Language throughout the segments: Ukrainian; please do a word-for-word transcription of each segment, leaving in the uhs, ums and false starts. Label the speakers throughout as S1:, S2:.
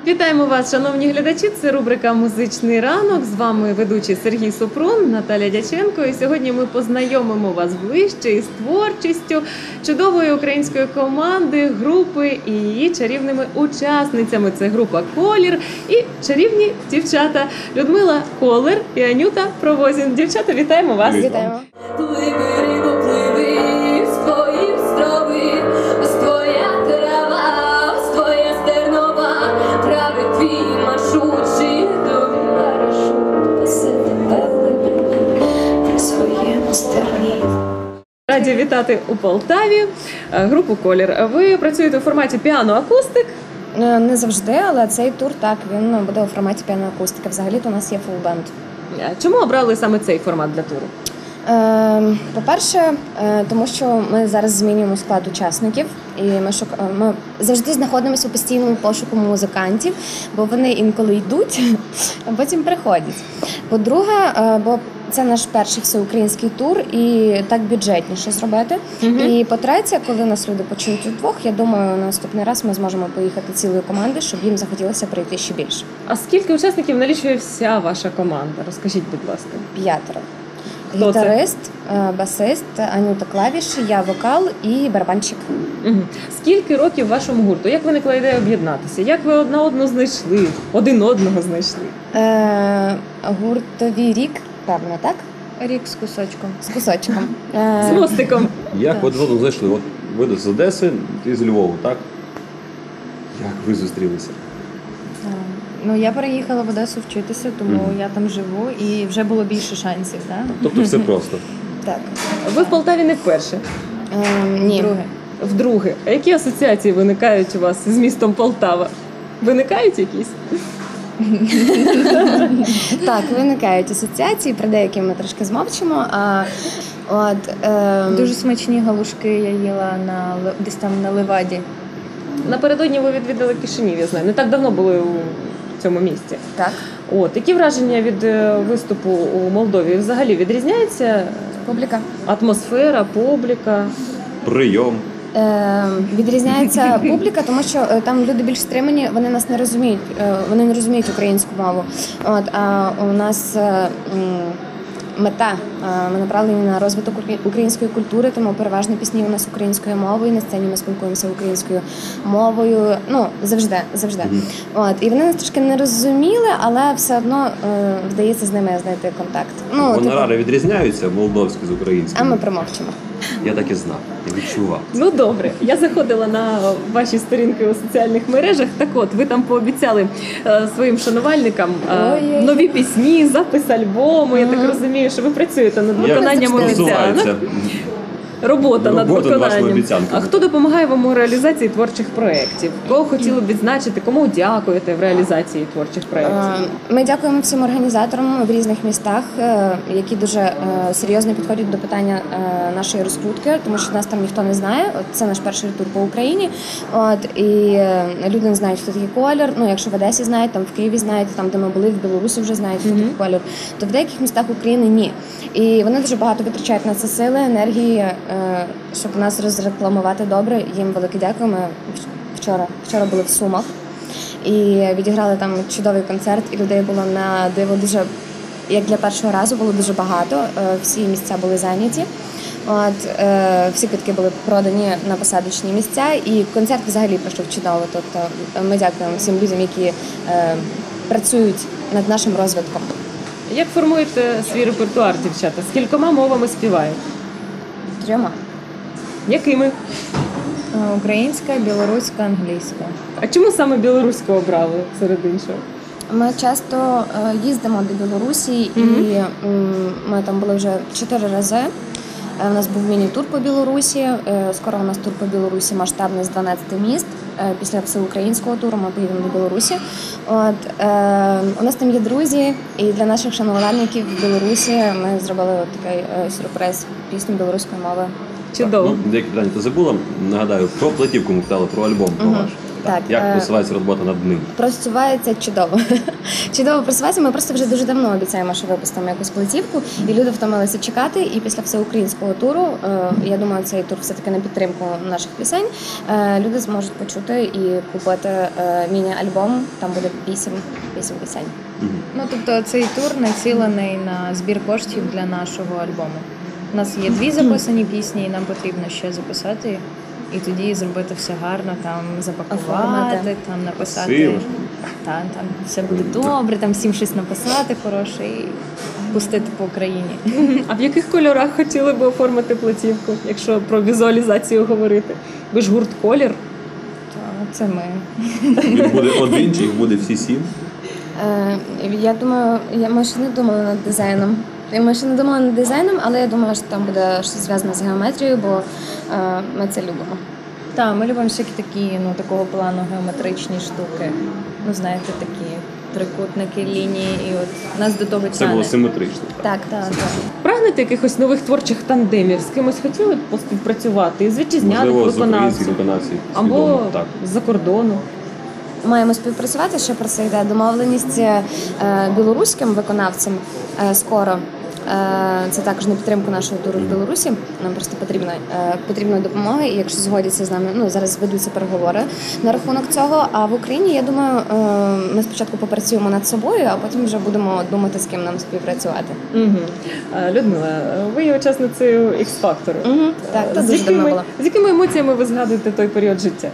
S1: Вітаємо вас, шановні глядачі. Це рубрика «Музичний ранок». З вами ведучий Сергій Супрун, Наталя Дяченко. І сьогодні ми познайомимо вас ближче із творчістю чудової української команди, групи і її чарівними учасницями. Це група «Колір» і чарівні дівчата Людмила Колер і Анюта Провозін. Дівчата, вітаємо вас.
S2: Вітаємо.
S1: Раді вітати у Полтаві групу «Колір». Ви працюєте у форматі піано-акустик?
S2: Не завжди, але цей тур, так, він буде у форматі піано-акустики. Взагалі-то у нас є фулбенд.
S1: Чому обрали саме цей формат для туру?
S2: Е, по-перше, е, тому що ми зараз змінюємо склад учасників, і ми, шук... ми завжди знаходимося у постійному пошуку музикантів, бо вони інколи йдуть, а потім приходять. По-друге, е, бо це наш перший всеукраїнський тур, і так бюджетніше зробити. Угу. І по-третє, коли нас люди почують удвох, я думаю, на наступний раз ми зможемо поїхати цілою командою, щоб їм захотілося прийти ще більше.
S1: А скільки учасників налічує вся ваша команда? Розкажіть, будь ласка.
S2: П'ятеро.
S1: Хто
S2: Гітарист, це? Басист, Анюта клавіші, я вокал і барабанщик.
S1: Угу. Скільки років вашому гурту? Як виникла ідея об'єднатися? Як ви одна одну знайшли? Один одного знайшли?
S2: Е, гуртовий рік, певно, так?
S3: Рік з кусочком.
S2: З кусочком.
S1: З мостиком.
S4: Як ви один одного знайшли? От ви з Одеси, ти з Львова, так? Як ви зустрілися?
S3: Ну, я переїхала в Одесу вчитися, тому mm-hmm. я там живу і вже було більше шансів, так?
S4: Тобто все просто?
S2: Так.
S1: Ви в Полтаві не вперше?
S2: Е, ні.
S3: Вдруге.
S1: Вдруге. А які асоціації виникають у вас з містом Полтава? Виникають якісь?
S2: Так, виникають асоціації, про деякі ми трошки змовчимо. А, от, е...
S3: Дуже смачні галушки я їла на, десь там на Леваді.
S1: Напередодні ви відвідали Кишинів, я знаю. Не так давно були у цьому місті.
S2: Так.
S1: От, які враження від виступу у Молдові? Взагалі відрізняється
S2: публіка?
S1: Атмосфера, публіка?
S4: Прийом?
S2: Е, відрізняється публіка, тому що е, там люди більш стримані, вони нас не розуміють, е, вони не розуміють українську мову. От, а у нас е, мета, ми направлені на розвиток української культури, тому переважно пісні у нас українською мовою, на сцені ми спілкуємося українською мовою, ну, завжди, завжди. Mm-hmm. От, і вони нас трошки не розуміли, але все одно е, вдається з ними знайти контакт.
S4: Ну, гонорари типу... відрізняються молдовські з українськими?
S2: А ми промовчимо.
S4: Я так і знав, я відчував.
S1: Ну добре, я заходила на ваші сторінки у соціальних мережах. Так от, ви там пообіцяли е, своїм шанувальникам е, нові пісні, запис альбому. Mm-hmm. Я так розумію, що ви працюєте над виконанням обіцянок. Робота, Робота над виконанням. А хто допомагає вам у реалізації творчих проєктів? Кого хотіли б відзначити? Кому дякуєте в реалізації творчих проєктів?
S2: Ми дякуємо всім організаторам в різних містах, які дуже серйозно підходять до питання нашої розкрутки, тому що нас там ніхто не знає. Це наш перший тур по Україні. От, і люди не знають, хто такий Колір. Ну, якщо в Одесі знають, там в Києві знають, там, де ми були, в Білорусі вже знають, хто mm-hmm. такий Колір. То в деяких містах України ні. І вони дуже багато витрачають на це сили, енергії, щоб нас розрекламувати добре. Їм велике дякую. Ми вчора, вчора були в Сумах і відіграли там чудовий концерт, і людей було на диво дуже, як для першого разу, було дуже багато. Всі місця були зайняті. От, е, всі квитки були продані на посадочні місця, і концерт взагалі пройшов чудово. Тобто ми дякуємо всім людям, які е, працюють над нашим розвитком.
S1: Як формуєте свій репертуар, дівчата? З кількома мовами співаєте?
S2: Трьома.
S1: Якими?
S3: Українська, білоруська, англійська.
S1: А чому саме білоруську обрали серед іншого?
S2: Ми часто е, їздимо до Білорусі, mm-hmm. і е, ми там були вже чотири рази. Е, у нас був міні-тур по Білорусі, е, скоро у нас тур по Білорусі масштабний з дванадцяти міст. Е, після всеукраїнського туру ми поїдемо до Білорусі. От, е, у нас там є друзі, і для наших шанувальників в Білорусі ми зробили от такий е, сюрприз, пісню білоруської мови.
S1: Чудово.
S4: Ну, деякі питання ти забула. Нагадаю, про платівку ми питали, про альбом про
S2: угу.
S4: ваш.
S2: Так,
S4: Як
S2: е,
S4: просувається робота над ним?
S2: Просувається чудово. Чудово просувається. Ми просто вже дуже давно обіцяємо, що випустимо якусь платівку, і люди втомилися чекати. І після всеукраїнського туру, е, я думаю, цей тур все-таки на підтримку наших пісень. е, Люди зможуть почути і купити е, міні-альбом. Там буде вісім, вісім пісень.
S3: Ну, тобто цей тур націлений на збір коштів для нашого альбому. У нас є дві записані пісні, і нам потрібно ще записати. І тоді зробити все гарно, там запакувати,
S2: Оформити.
S3: там написати.
S4: Красиво.
S3: Там, там все буде добре, там всім щось написати хороше і пустити по Україні.
S1: А в яких кольорах хотіли би оформити платівку, якщо про візуалізацію говорити? Ви ж гурт «Колір».
S3: То це ми.
S4: Їх буде один, чи їх буде всі сім?
S2: Е, Я думаю, я, ми ще не думали над дизайном. Ми ще не думали над дизайном, але я думаю, що там буде щось зв'язане з геометрією, бо е, ми це любимо.
S3: Так, ми любимо всякі такі, ну, такого плану геометричні штуки. Ну, знаєте, такі трикутники, лінії, і от нас до того
S4: Це було
S3: тягне.
S4: симетрично.
S2: Так,
S3: Так, так.
S1: Прагнете якихось нових творчих тандемів? З кимось хотіли б поспівпрацювати? З вітчизняних
S4: Можливо, з українських
S1: виконавців?
S4: виконавців.
S1: Або
S4: свідомо, так.
S1: з-за кордону?
S2: маємо співпрацювати, ще про це йде домовленість е, білоруським виконавцям е, скоро. Е, Це також на підтримку нашого туру в Білорусі. Нам просто потрібна е, потрібна допомога. І якщо згодяться з нами, ну зараз ведуться переговори на рахунок цього. А в Україні, я думаю, е, ми спочатку попрацюємо над собою, а потім вже будемо думати, з ким нам співпрацювати.
S1: Угу. Людмила, ви є учасницею X-Factor.
S2: Угу, так, це
S1: з,
S2: дуже давно
S1: якими,
S2: було.
S1: з якими емоціями ви згадуєте той період життя?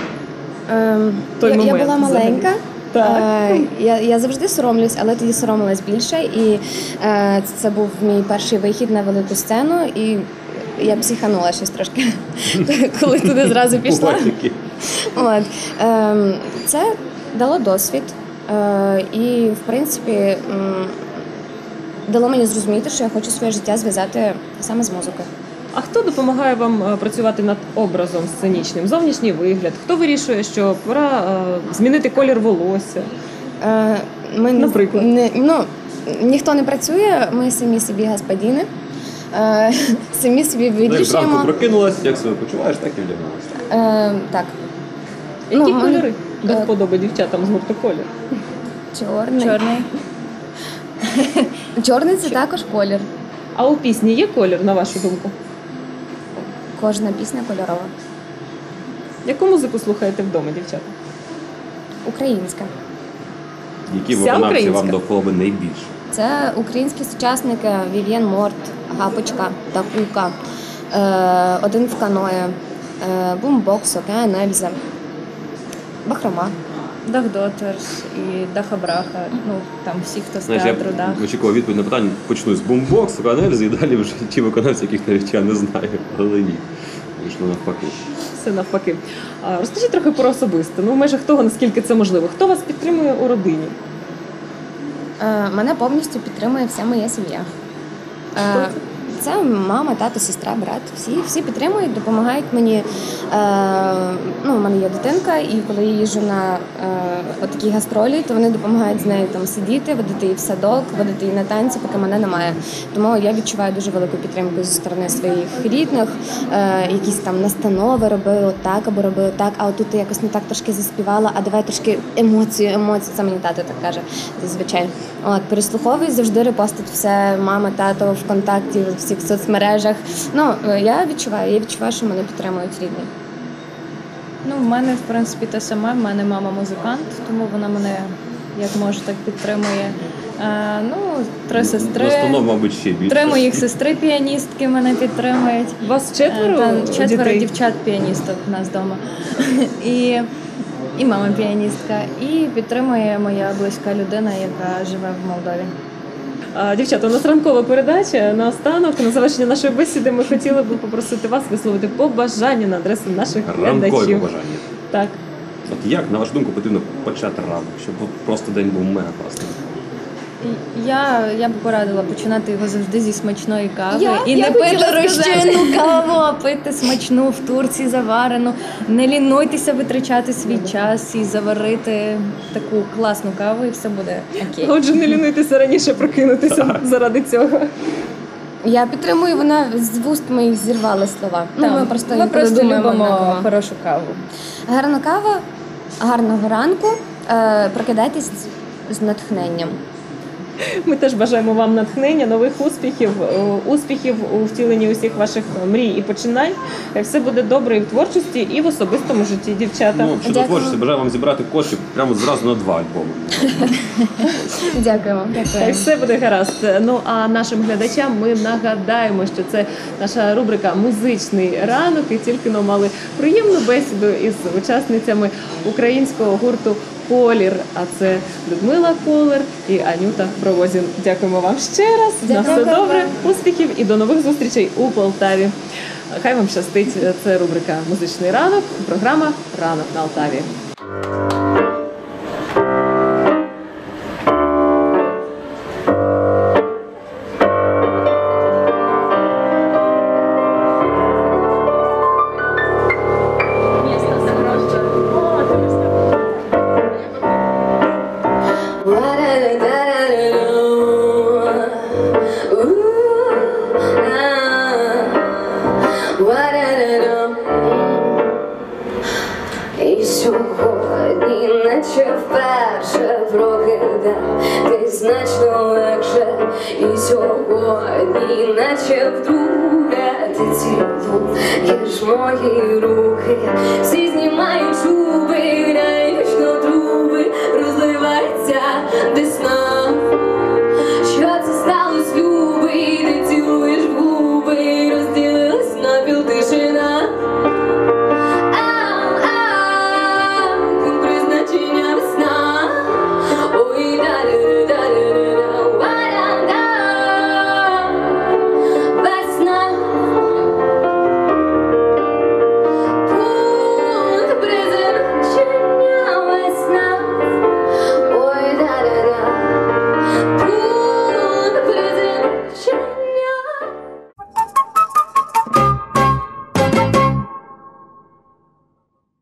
S2: Ем,
S1: Той
S2: я, я
S1: момент
S2: була
S1: взагалі.
S2: маленька.
S1: Так.
S2: Е, я, я завжди соромлюсь, але тоді соромилась більше. І е, це був мій перший вихід на велику сцену, і я психанула щось трошки, коли туди зразу пішла.
S4: Бувають такі.
S2: От. Ем, це дало досвід. Е, і, в принципі, м, дало мені зрозуміти, що я хочу своє життя зв'язати саме з музикою.
S1: А хто допомагає вам е, працювати над образом сценічним? Зовнішній вигляд? Хто вирішує, що пора е, змінити колір волосся?
S2: Е, Ми не-
S1: Наприклад?
S2: не, ну, ніхто не працює, ми самі собі господіни, е, самі собі
S4: Ну, як зранку
S2: вирішуємо.
S4: прокинулась, як себе почуваєш, так і вдягнулася.
S2: Е, так.
S1: Які
S2: Ну,
S1: кольори до
S2: е,
S1: вподоби дівчатам з гурту «Колір»?
S2: Чорний.
S3: Чорний.
S2: Чорний це також колір.
S1: А у пісні є колір, на вашу думку?
S2: Кожна пісня кольорова.
S1: Яку музику слухаєте вдома, дівчата?
S2: Українська.
S4: Які
S1: Вся
S4: виконавці
S1: українська?
S4: вам до вподоби найбільше?
S2: Це українські сучасники Вів'єн Морт, Гапочка, Такука, е, Один в каное, е, Бумбокс, Океан Ельза, Бахрома.
S3: Дах Дотерс і Даха Браха. Ну, там всі, хто з
S4: Знаєш, я
S3: театру, Дах.
S4: очікував відповідь на питання, почну з бумбоксу, канельзи і далі вже ті виконавці, яких навіть я не знаю, але ні. Вийшло навпаки.
S1: Все навпаки. А, розкажіть трохи про особисте. Ну, в межах того, наскільки це можливо. Хто вас підтримує у родині?
S2: Е, Мене повністю підтримує вся моя сім'я.
S1: Хто
S2: Е,
S1: це?
S2: Це мама, тато, сестра, брат. Всі, всі підтримують, допомагають мені. Е, ну, у мене є дитинка, і коли я їжджу на е, отакі гастролі, то вони допомагають з нею там сидіти, водити її в садок, водити її на танці, поки мене немає. Тому я відчуваю дуже велику підтримку зі сторони своїх рідних. Е, якісь там настанови роби отак або роби отак, а отут ти якось не так трошки заспівала, а давай трошки емоцію, емоцію. Це мені тато так каже зазвичай. От, переслуховую, завжди репостить все, мама, тато, ВКонтакті, в всіх соцмережах. Ну, е, я відчуваю, я відчуваю, що мене підтримують рідні.
S3: Ну, в мене, в принципі, те саме. В мене мама музикант, тому вона мене як може так підтримує. Е, ну, три сестри.
S4: Настанов, мабуть, ще більше.
S3: Три моїх сестри піаністки мене підтримують.
S1: Вас
S3: Е,
S1: четверо
S3: та, четверо
S1: дітей?
S3: дівчат-піаністок у нас вдома. І, і мама піаністка. І підтримує моя близька людина, яка живе в Молдові.
S1: А, дівчата, у нас ранкова передача. Наостанок, на завершення нашої бесіди, ми хотіли би попросити вас висловити побажання на адресу наших
S4: Ранкові
S1: глядачів.
S4: побажання.
S1: Так.
S4: От як, на вашу думку, потрібно почати ранок, щоб от просто день був мега класний?
S3: І Я, я б порадила починати його завжди зі смачної кави.
S2: Я-
S3: і
S2: я
S3: не пити
S2: хотіла
S3: розчинну каву, а пити смачну в Турції заварену. Не лінуйтеся витрачати свій час і заварити таку класну каву, і все буде окей.
S1: Отже, не лінуйтеся раніше прокинутися заради цього.
S2: Я підтримую, вона з вуст моїх зірвала слова. Ну,
S3: Там,
S2: ми просто,
S3: ми
S2: інколи
S3: просто
S2: думаємо
S3: любимо
S2: однаково.
S3: хорошу каву.
S2: Гарна кава, Гарного ранку. Е, Прокидайтесь з натхненням.
S1: Ми теж бажаємо вам натхнення, нових успіхів, е, успіхів у втіленні усіх ваших мрій і починань. Е, Все буде добре і в творчості, і в особистому житті, дівчата.
S4: Ну, щодо
S2: Дякую.
S4: творчості, бажаю вам зібрати коштів прямо зразу на два альбоми.
S2: Дякую вам.
S1: Так, все буде гаразд. Ну а нашим глядачам ми нагадаємо, що це наша рубрика «Музичний ранок», і тільки но мали приємну бесіду із учасницями українського гурту «Колір». А це Людмила Колер і Анюта Провозін. Дякуємо вам ще раз. На все
S2: Дякую
S1: добре,
S2: вам.
S1: успіхів і до нових зустрічей у Полтаві. Хай вам щастить. Це рубрика «Музичний ранок», програма «Ранок на Алтаві».
S5: І сьогодні, наче вперше прокидатись значно легше. І сьогодні, наче вдруге, ти цілуєш мої руки, всі знімають чули.